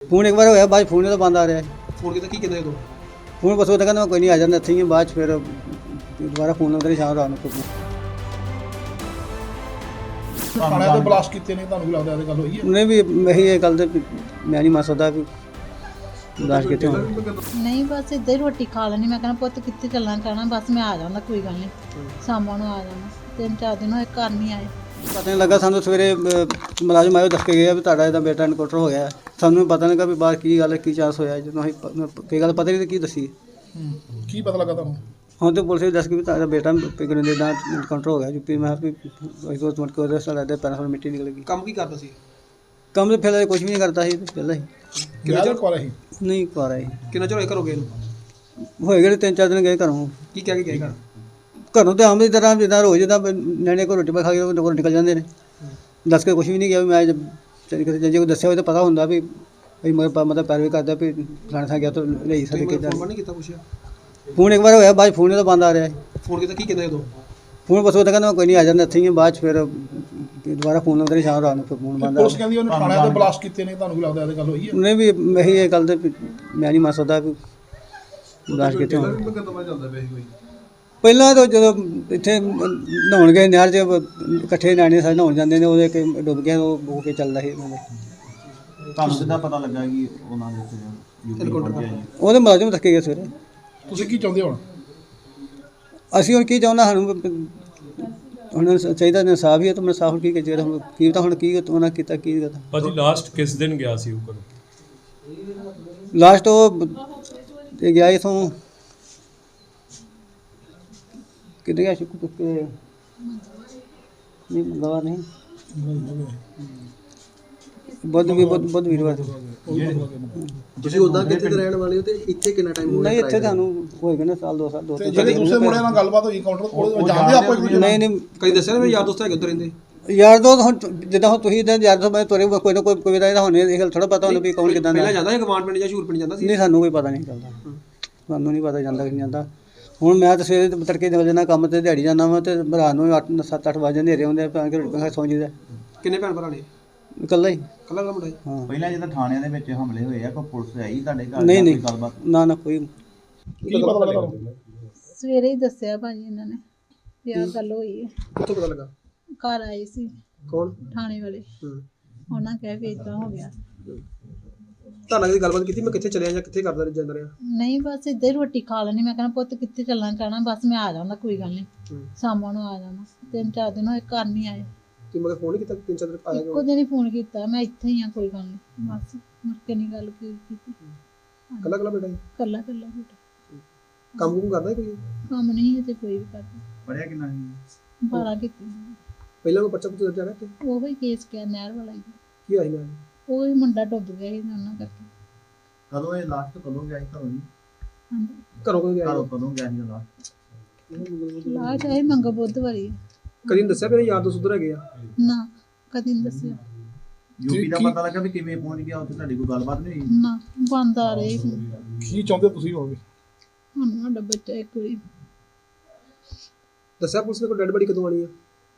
Phone एक बार होया बाद फोन तो बंद आ रहा है। फोन किया की कहते उदों फोन बस वो तो कहना कोई नहीं आ जाता इत्थे ही बाद फिर दोबारा फोन लाਉਂਦੇ ਸ਼ਾਮ ਰਾਤ ਨੂੰ ਥਾਣੇ ਤੇ ਬਲਾਸਟ ਕੀਤੇ ਨੇ ਤੁਹਾਨੂੰ ਕੀ ਲੱਗਦਾ ਇਹ ਗੱਲ ਹੋਈ ਹੈ? ਉਹਨੇ ਵੀ ਇਹੀ ਇਹ ਗੱਲ ਤੇ ਮੈਂ ਨਹੀਂ ਮੰਨ ਸਕਦਾ ਵੀ ਦਾਸ਼ ਕਿਤੇ ਹੋਣ ਨਹੀਂ ਬਸ ਇੱਦਾਂ ਹੀ ਰੋਟੀ ਖਾ ਲੈਣੀ। ਮੈਂ ਕਹਿੰਦਾ ਪੁੱਤ ਕਿੱਥੇ ਚੱਲਣਾ ਕਹਿਣਾ ਬਸ ਮੈਂ ਆ ਜਾਂਦਾ ਕੋਈ ਗੱਲ ਨਹੀਂ ਸ਼ਾਮਾਂ ਨੂੰ ਆ ਜਾਣਾ। 3-4 ਦਿਨ ਹੋਏ ਘਰ ਨਹੀਂ ਆਏ। ਪਤਾ ਨਹੀਂ ਲੱਗਾ ਸਾਨੂੰ ਸਵੇਰੇ ਮੁਲਾਜ਼ਮ ਆਇਓ ਦੱਸ ਕੇ ਗਿਆ ਵੀ ਤੁਹਾਡਾ ਇਹਦਾ ਬੇਟਾ ਇਨਕਾਊਂਟਰ ਹੋ ਗਿਆ। ਸਾਨੂੰ ਪਤਾ ਨਹੀਂ ਲੱਗਾ ਵੀ ਬਾਹਰ ਕੀ ਗੱਲ ਕੀ ਚਾਂਸ ਹੋਇਆ। ਜਦੋਂ ਅਸੀਂ ਕੋਈ ਗੱਲ ਪਤਾ ਨਹੀਂ ਕੀ ਦੱਸੀ ਕੀ ਪਤਾ ਲੱਗਾ ਤੁਹਾਨੂੰ? ਹੁਣ ਤੇ ਪੁਲਿਸ ਵੀ ਦੱਸ ਕੇ ਵੀ ਤੁਹਾਡਾ ਬੇਟਾ ਪਿਗਨ ਦੇ ਦਾ ਇਨਕਾਊਂਟਰ ਹੋ ਗਿਆ ਯੂਪੀ। ਮੈਂ ਵੀ ਕੋਈ ਤੁਮਟ ਕੋ ਰਸਤਾ ਲੱਗਦਾ ਪੈਰਾਂ ਮਿੱਟੀ ਨਿਕਲ ਗਈ। ਕੰਮ ਕੀ ਕਰਦਾ ਸੀ? ਕੰਮ ਤੇ ਫਿਰ ਕੁਝ ਵੀ ਨਹੀਂ ਕਰਦਾ ਸੀ ਪਹਿਲਾਂ ਹੀ ਕਿੰਨਾ ਚਿਰ ਕੋਲ ਰਹੀ? ਨਹੀਂ ਕਰ ਰਹੀ ਕਿੰਨਾ ਚਿਰ ਹੋਇਆ ਘਰੋਂ ਗਏ ਨੂੰ? ਹੋਏ ਗਏ 3-4 ਦਿਨ ਗਏ ਘਰੋਂ। ਕੀ ਕਹਿ ਕੇ ਗਏ ਘਰ? ਘਰੋਂ ਤੇ ਆਮ ਦੀ ਤਰ੍ਹਾਂ ਜਿੱਦਾਂ ਰੋਜ਼ ਜਿੱਦਾਂ ਨਿਆਣੇ ਕੋਲ ਰੋਟੀ ਪਾ ਖਾ ਕੇ ਉਹ ਘਰੋਂ ਨਿਕਲ ਜਾਂਦੇ ਨੇ। ਦੱਸ ਕੇ ਕੁਝ ਵੀ ਨਹੀਂ ਗਿਆ ਵੀ ਮੈਂ ਜੇ ਕੋਈ ਦੱਸਿਆ ਹੋਵੇ ਤਾਂ ਪਤਾ ਹੁੰਦਾ ਵੀ ਭਈ ਮਤਲਬ ਪੈਰਵੀ ਕਰਦਾ ਵੀ ਫਲਾਣੇ ਥਾਂ ਗਿਆ ਤਾਂ ਲਈ ਸਕਦੇ ਕਿੱਦਾਂ। ਫੋਨ ਨਹੀਂ ਕੀਤਾ ਪੁੱਛਿਆ? ਫੋਨ ਇੱਕ ਵਾਰ ਹੋਇਆ ਬਾਅਦ ਫੋਨ ਤਾਂ ਬੰਦ ਆ ਰਿਹਾ ਹੈ। ਫੋਨ ਕੀਤਾ ਕੀ ਕਹਿੰਦੇ ਉਦੋਂ? ਫੋਨ ਬਸ ਉਹ ਤਾਂ ਕਹਿੰਦਾ ਕੋਈ ਨਹੀਂ ਆ ਜਾਂਦਾ ਇੱਥੇ ਹੀ ਬਾਅਦ ਫਿਰ ਦੁਬਾਰਾ ਫੋਨ ਲਾਉਂਦੇ ਸ਼ਾਮ ਰਾਤ ਨੂੰ ਫਿਰ ਫੋਨ ਬੰਦ ਆ ਪੁਲਿਸ ਕਹਿੰਦੀ ਉਹਨੇ ਥਾਣੇ ਤੇ ਬਲਾਸਟ ਕੀਤੇ ਨੇ ਤੁਹਾਨੂੰ ਕੀ ਲੱਗਦਾ ਇਹ ਗੱਲ ਹੋਈ ਹੈ? ਉਹਨੇ ਵੀ ਇਹੀ ਇਹ ਗੱਲ ਤੇ ਮੈਂ ਨਹੀਂ ਮੰਨ ਸਕਦਾ ਵੀ ਦਾਸ਼ ਕਿਤੇ ਹੋਣ ਪਹਿਲਾਂ ਤਾਂ ਜਦੋਂ ਇੱਥੇ ਨਹਾਉਣ ਗਏ ਨਹਿਰ 'ਚ ਇਕੱਠੇ ਨਿਆਣੇ ਸਾਰੇ ਨਹਾਉਣ ਜਾਂਦੇ ਨੇ ਉਹਦੇ ਕਿ ਡੁੱਬ ਗਿਆ ਉਹ ਬੋ ਕੇ ਚੱਲਦਾ ਸੀ ਉਹਨਾਂ ਦੇ। ਤੁਹਾਨੂੰ ਕਿੱਦਾਂ ਪਤਾ ਲੱਗਾ ਕਿ ਉਹਨਾਂ ਦੇ ਯੂਪੀ ਪਹੁੰਚਿਆ ਜੀ? ਉਹਦੇ ਮੁਲਾਜ਼ਮ ਥੱਕੇ ਗਏ ਸਵੇਰੇ। ਤੁਸੀਂ ਕੀ ਚਾਹੁੰਦੇ ਹੋ ਹੁਣ? ਅਸੀਂ ਹੁਣ ਕੀ ਚਾਹੁੰਦਾ ਸਾਨੂੰ ਹੁਣ ਚਾਹੀਦਾ ਇਨਸਾਫ ਹੀ ਹੈ ਤਾਂ ਮੈਂ ਸਾਫ ਕੀ ਚਾਹੀਦਾ ਹੁਣ ਕੀ ਤਾਂ ਹੁਣ ਕੀ ਉਹਨਾਂ ਕੀਤਾ ਕੀ ਕੀਤਾ। ਭਾਜੀ ਲਾਸਟ ਕਿਸ ਦਿਨ ਗਿਆ ਸੀ ਉਹ ਘਰੋਂ? ਲਾਸਟ ਉਹ ਤੇ ਗਿਆ ਇਥੋਂ ਕਿੱਥੇ ਗਿਆ ਸ਼ੁਕਰ ਤੁੱਕੇ ਨਹੀਂ ਮੰਗਵਾ ਨਹੀਂ ਬੁੱਧ ਵੀਰਵਾਰ ਤੁਸੀਂ ਉਦਾਂ ਕਿੱਥੇ ਦੇ ਰਹਿਣ ਵਾਲੇ ਹੋ ਤੇ ਇੱਥੇ ਕਿੰਨਾ ਟਾਈਮ ਹੋ ਗਿਆ? ਨਹੀਂ ਇੱਥੇ ਤੁਹਾਨੂੰ ਹੋਏਗਾ ਨਾ ਸਾਲ 2 ਸਾਲ 2 ਤੇ ਜਿਹੜੇ ਦੂਸਰੇ ਮੁੰਡਿਆਂ ਨਾਲ ਗੱਲਬਾਤ ਹੋਈ ਕਾਊਂਟਰ ਕੋਲ ਜਾਂਦੇ ਆਪਾਂ ਇੱਕ ਦੂਜੇ ਨਾਲ? ਨਹੀਂ ਨਹੀਂ ਕਦੀ ਦੱਸਿਆ ਨਾ ਮੇਰੇ ਯਾਰ ਦੋਸਤ ਹੈਗੇ ਉੱਧਰ ਰਹਿੰਦੇ? ਯਾਰ ਦੋ ਹੁਣ ਜਿੱਦਾਂ ਹੁਣ ਤੁਸੀਂ ਤਾਂ ਯਾਰ ਦੋ ਮੈਂ ਤੋਰੇ ਕੋਈ ਨਾ ਕੋਈ ਦਾ ਇਹਦਾ ਹੋਣੇ ਇਹ ਗੱਲ ਥੋੜਾ ਪਤਾ ਹੁੰਦਾ ਵੀ ਕੌਣ ਕਿਦਾਂ ਦਾ। ਪਹਿਲਾਂ ਜਾਂਦਾ ਹੈ ਗਵਾਂਡ ਪਿੰਡ ਜਾਂ ਸ਼ੂਰ ਪਿੰਡ ਜਾਂਦਾ ਸੀ? ਨਹੀਂ ਸਾਨੂੰ ਕੋਈ ਪਤਾ ਨਹੀਂ ਚੱਲਦਾ। ਸਾਨੂੰ ਨਹੀਂ ਪਤਾ ਜਾਂਦਾ ਕਿ ਨਹੀਂ ਜਾਂਦਾ। ਹੁਣ ਮੈਂ ਤਾਂ ਸਵੇਰੇ ਤੜਕੇ ਨਿਕਲ ਜਾਂਦਾ ਕੰਮ ਤੇ ਦਿਹਾੜੀ ਜਾਂਦਾ ਵਾ ਤੇ ਰਾਤ ਨੂੰ 8-7-8 ਵਜੇ ਹਨੇਰੇ ਹੁੰਦੇ ਆ ਕੇ ਰੋਟੀ ਖਾ ਸੌਂ ਜੀਦਾ। ਕਿੰਨੇ ਭੈਣ ਭਰਾ ਨੇ? ਇਕੱਲਾ ਹੀ। ਕੱਲਾ ਮੁੰਡਾ ਸੀ? ਹਾਂ ਪਹਿਲਾਂ ਜਦੋਂ ਥਾਣਿਆਂ ਦੇ ਵਿੱਚ ਹਮਲੇ ਹੋਏ ਆ ਕੋਈ ਪੁਲਿਸ ਆਈ ਤੁਹਾਡੇ ਘਰ ਨਹੀਂ ਜਾਂ ਨਹੀਂ ਕੋਈ ਗੱਲਬਾਤ? ਨਾ ਕੋਈ ਕੀ ਪਤਾ ਲੱਗਾ ਤੁਹਾਨੂੰ? ਸਵੇਰੇ ਹੀ ਦੱਸਿਆ ਭਾਜੀ ਇਹਨਾਂ ਨੇ ਵੀ ਆਹ ਗੱਲ ਹੋਈ ਹੈ। ਕਿੱਥੋਂ ਪਤਾ ਲੱਗਾ? ਘਰ ਆਏ ਸੀ ਕੌਣ? ਥਾਣੇ ਵਾਲੇ। ਉਹਨਾਂ ਕਹਿ ਵੀ ਏਦਾਂ ਹੋ ਗਿਆ। ਤੁਹਾਨੂੰ ਕਦੀ ਗੱਲਬਾਤ ਕੀਤੀ ਮੈਂ ਕਿੱਥੇ ਚਲਿਆ ਜਾਂ ਕਿੱਥੇ ਕਰਦਾ ਜਾਂਦਾ ਰਿਹਾ? ਨਹੀਂ ਬਸ ਇੱਦਾਂ ਹੀ ਰੋਟੀ ਖਾ ਲੈਣੀ। ਮੈਂ ਕਹਿੰਦਾ ਪੁੱਤ ਕਿੱਥੇ ਚੱਲਣਾ ਕਹਿਣਾ ਬਸ ਮੈਂ ਆ ਜਾਂਦਾ ਕੋਈ ਗੱਲ ਨਹੀਂ ਸ਼ਾਮਾਂ ਨੂੰ ਆ ਜਾਣਾ। 3-4 ਦਿਨ ਹੋਏ ਘਰ ਨਹੀਂ ਆਏ। ਤੁਸੀਂ ਮਗਰ ਫੋਨ ਨਹੀਂ ਕੀਤਾ? 3-4 ਦਿਨ ਆਇਆ ਇੱਕੋ ਦਿਨ ਹੀ ਫੋਨ ਕੀਤਾ ਮੈਂ ਇੱਥੇ ਹੀ ਆ ਕੋਈ ਗੱਲ ਨਹੀਂ ਬਸ ਮੁੜ ਕੇ ਨਹੀਂ ਗੱਲ ਕੀਤੀ। ਕੱਲਾ ਕੱਲਾ ਬੇਟਾ ਸੀ? ਕੱਲਾ ਬੇਟਾ ਕੰਮ ਕੁਮ ਕਰਦਾ ਸੀ ਕੋਈ? ਕੰਮ ਨਹੀਂ ਹੈ ਤੇ ਕੋਈ ਵੀ ਕਰਦਾ। ਪੜਿਆ ਕਿੰਨਾ ਸੀ? 12 ਕੀਤੀ ਪਹਿਲਾਂ ਕੋਈ ਬੱਚਾ ਪੁੱਤ ਦਰਜਾ ਰਿਹਾ ਤੇ ਉਹ ਹੀ ਕੇਸ ਕਿਆ ਨਹਿਰ ਵਾਲਾ ਹੀ। ਕੀ ਆਈ ਨਾ? ਉਹ ਹੀ ਮੁੰਡਾ ਡੁੱਬ ਗਿਆ ਸੀ ਉਹਨਾਂ ਕਰਕੇ। ਕਦੋਂ ਇਹ ਲਾਸਟ ਕਦੋਂ ਗਿਆ ਸੀ ਘਰੋਂ ਜੀ? ਹਾਂਜੀ ਘਰੋਂ ਕਦੋਂ ਗਿਆ? ਘਰੋਂ ਕਦੋਂ ਗਿਆ ਸੀ ਲਾਸਟ? ਲਾ ਚਾਹੇ ਮੰਗਾ ਬੁੱਧਵਾਰੀ। ਕਦੀ ਨੀ ਦੱਸਿਆ ਮੇਰੇ ਯਾਰ ਦੋਸਤ ਉੱਧਰ ਹੈਗੇ ਆ? ਨਾ ਕਦੀ ਨਹੀਂ ਦੱਸਿਆ। ਯੂਪੀ ਦਾ ਪਤਾ ਲੱਗਾ ਵੀ ਕਿਵੇਂ ਪਹੁੰਚ ਗਿਆ ਉੱਥੇ? ਤੁਹਾਡੀ ਕੋਈ ਗੱਲਬਾਤ ਨਹੀਂ ਹੋਈ? ਨਾ ਬੰਦ ਆ ਰਹੇ ਕੀ ਚਾਹੁੰਦੇ ਤੁਸੀਂ ਹੋਵੇ? ਹੁਣ ਸਾਡਾ ਬੱਚਾ ਇੱਕ ਵਾਰੀ ਦੱਸਿਆ ਪੁਲਿਸ ਨੇ ਕੋਈ ਡੈਡ ਬੜੀ ਕਦੋਂ ਆਣੀ ਆ?